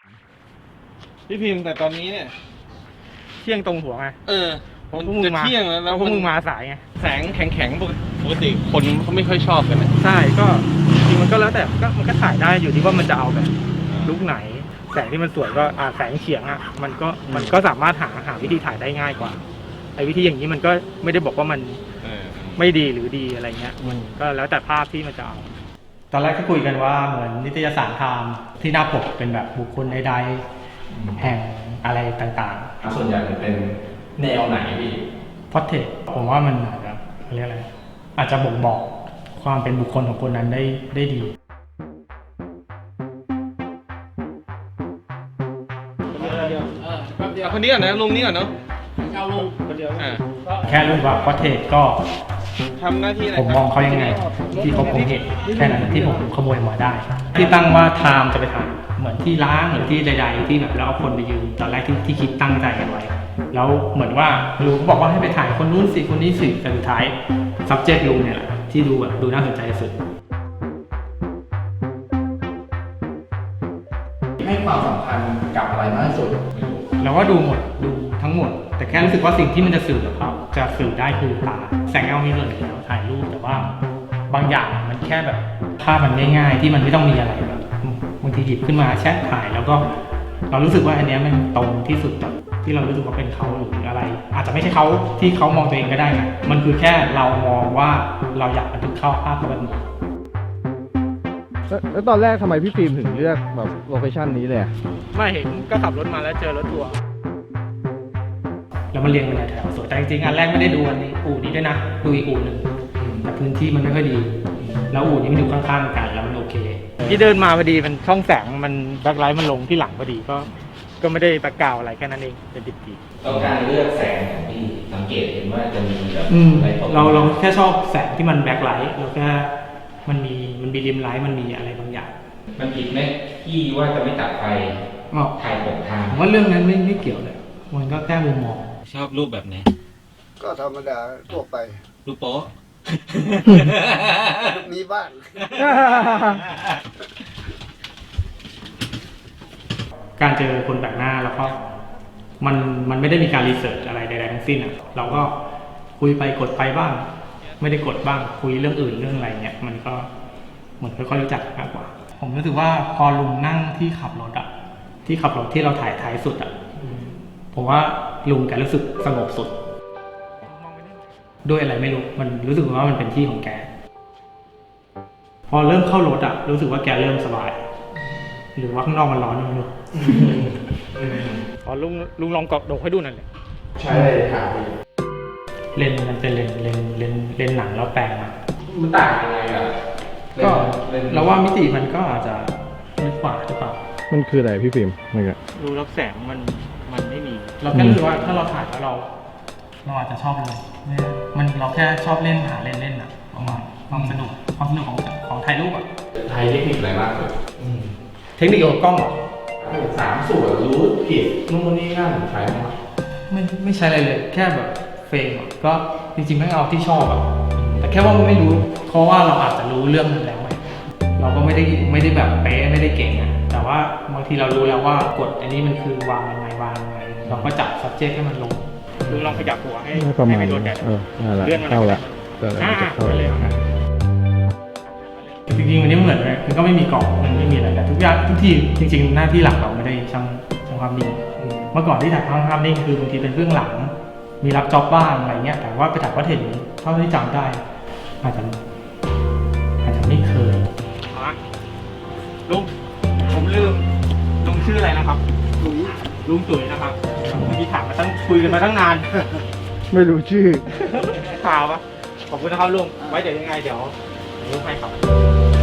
พี่พิมพ์แต่ตอนนี้เนี่ยเที่ยงตรงหัวไงเพราะพวกมึงมาเที่ยงแล้วพวกมึงมาสายไงแสงแข็งๆปกติคนเขาไม่ค่อยชอบกันนะใช่ก็จริงมันก็แล้วแต่มันก็ถ่ายได้อยู่ที่ว่ามันจะเอาแบบลุกไหนแสงที่มันสวยก็แสงเฉียงมันก็สามารถหาวิธีถ่ายได้ง่ายกว่าไอ้วิธีอย่างนี้มันก็ไม่ได้บอกว่ามันไม่ดีหรือดีอะไรเงี้ยมันก็แล้วแต่ภาพที่มันจะเอาตอนแรกก็คุยกันว่าเหมือนนิตยสารไทม์ที่หน้าปกเป็นแบบบุคคลใดๆแห่งอะไรต่างๆส่วนใหญ่มันเป็นแนวไหนพี่พอร์เทรตผมว่ามันอาจจะเรียกอะไรอาจจะบ่งบอกความเป็นบุคคลของคนนั้นได้ดีคนนี้ก่อนนะลุงนี้ก่อนเนาะเอาลุงคนเดียวแค่รู้ว่าพอร์เทรตก็ทำหน้าที่อะไรผมมองเขายังไงที่ผมเห็นแค่นั้นที่ผมขโมยมาได้ที่ตั้งว่าไทม์จะไปถ่ายเหมือนที่ล้างหรือที่ใดๆที่แบบแล้วเอาคนไปยืนตอนแรกที่คิดตั้งใจกันไว้แล้วเหมือนว่าลุงบอกว่าให้ไปถ่ายคนนู้นสิคนนี้สิแต่สุดท้าย subject ลุงเนี่ยแหละที่ดูน่าสนใจที่สุดให้ความสำคัญกับอะไรมากที่สุดเราก็ดูหมดดูทั้งหมดแต่แค่รู้สึกว่าสิ่งที่มันจะสื่อครับจะสื่อได้คือตาแสงเงามีส่วนอยู่แล้วถ่ายรูปแต่ว่าบางอย่างมันแค่แบบภาพมันง่ายๆที่มันไม่ต้องมีอะไรแบบบางทีหยิบขึ้นมาแชทถ่ายแล้วก็เรารู้สึกว่าอันนี้มันตรงที่สุดที่เรารู้สึกว่าเป็นเขาหรืออะไรอาจจะไม่ใช่เขาที่เขามองตัวเองก็ได้นะมันคือแค่เรามองว่าเราอยากบันทึกเข้าภาพแบบนี้แล้วตอนแรกทำไมพี่ฟิล์มถึงเลือกแบบโลเคชั่นนี้เลยไม่เห็นก็ขับรถมาแล้วเจอรถทัวร์แล้วมาเรียงเป็นแถวสวยแต่จริงๆอันแรกไม่ได้ดูอันนี้อู่นี้ด้วยนะดูอีกอู่หนึ่งแต่พื้นที่มันไม่ค่อยดีแล้วอู่นี้มันอยู่ข้างๆกันแล้วมันโอเคที่เดินมาพอดีมันช่องแสงมันแบ็คไลท์มันลงที่หลังพอดีก็ไม่ได้ตะกาวอะไรแค่นั้นเองเป็นดิบๆแล้วการเลือกแสงของพี่สังเกตเห็นว่าจะมีแบบเราแค่ชอบแสงที่มันแบ็คไลท์เราแค่มันมีริมไลท์มันมีอะไรบางอย่างมันผิดไหมที่ว่าจะไม่ตัดไฟถ่ายปกทางผมว่าเรื่องนั้นไม่เกี่ยวเลยมันก็แค่มุมมองชอบรูปแบบไหนก็ธรรมดาทั่วไปรูปโป๊ะมีบ้างการเจอคนแปลกหน้าแล้วก็มันไม่ได้มีการรีเสิร์ชอะไรใดๆทั้งสิ้นเราก็คุยไปกดไปบ้างไม่ได้กดบ้างคุยเรื่องอื่นเรื่องอะไรเงี้ยมันก็เหมือนค่อยๆรู้จักมากกว่าผมรู้สึกว่าพอลุงนั่งที่ขับรถที่เราถ่ายท้ายสุดผมว่าลุงแกรู้สึกสงบสุดด้วยอะไรไม่รู้มันรู้สึกว่ามันเป็นที่ของแกพอเริ่มเข้ารถรู้สึกว่าแกเริ่มสบายหรือว่าข้างนอกมันร้อนไม่รู้พอลุงลองกดให้ดูนั่นแหละใช่เลยค่ะเลนมันเป็นเลนหนังแล้วแปลงมันต่างยังไงก็เราว่ามิติมันก็อาจจะลึกกว่าหรือเปล่ามันคืออะไรพี่ฟิล์มดูรับแสงมันไม่มีเราแค่รู้สึกว่าถ้าเราถ่ายแล้วเราอาจจะชอบเลยมันเราแค่ชอบเล่นหาเล่นประมาณความสนุกของถ่ายรูปไทยเทคนิคอะไรมากเลยเทคนิคของกล้อง 3 ส่วนรู้ผิดนู่นนี่นั่นใช้ไหมไม่ใช้อะไรเลยแค่แบบเฟรมก็จริงๆไม่เอาที่ชอบแต่แค่ว่าไม่รู้เพราะว่าเราอาจจะรู้เรื่องนั้นแล้วเราก็ไม่ได้แบบเป๊ะไม่ได้เก่งแต่ว่าบางทีเรารู้แล้วว่ากฎอันนี้มันคือวางยังไงเราก็จับ subject ให้มันลงดูลองขยับหัวให้ไม่โดนแดดเลื่อนมันเข้าละเลยจริงๆวันนี้เหมือนเลยมันก็ไม่มีกล่องมันไม่มีอะไรแต่ทุกอย่างทุกที่จริงๆหน้าที่หลักเราไม่ได้ช่างความนิ่งเมื่อก่อนที่ถ่ายภาพนิ่งคือบางทีเป็นเบื้องหลังมีรับจ็อบบ้างอะไรเงี้ยแต่ว่าไปถ่ายวัตถุเท่าที่จำได้อาจจะไม่เคยลุงผมลืมลุงชื่ออะไรนะครับลุงตุ๋ยนะครับมีถามมาคุยกันมาตั้งนานไม่รู้ชื่อข่าวปะขอบคุณนะครับลุงไว้เดี๋ยวยังไงเดี๋ยวลุงให้ครับ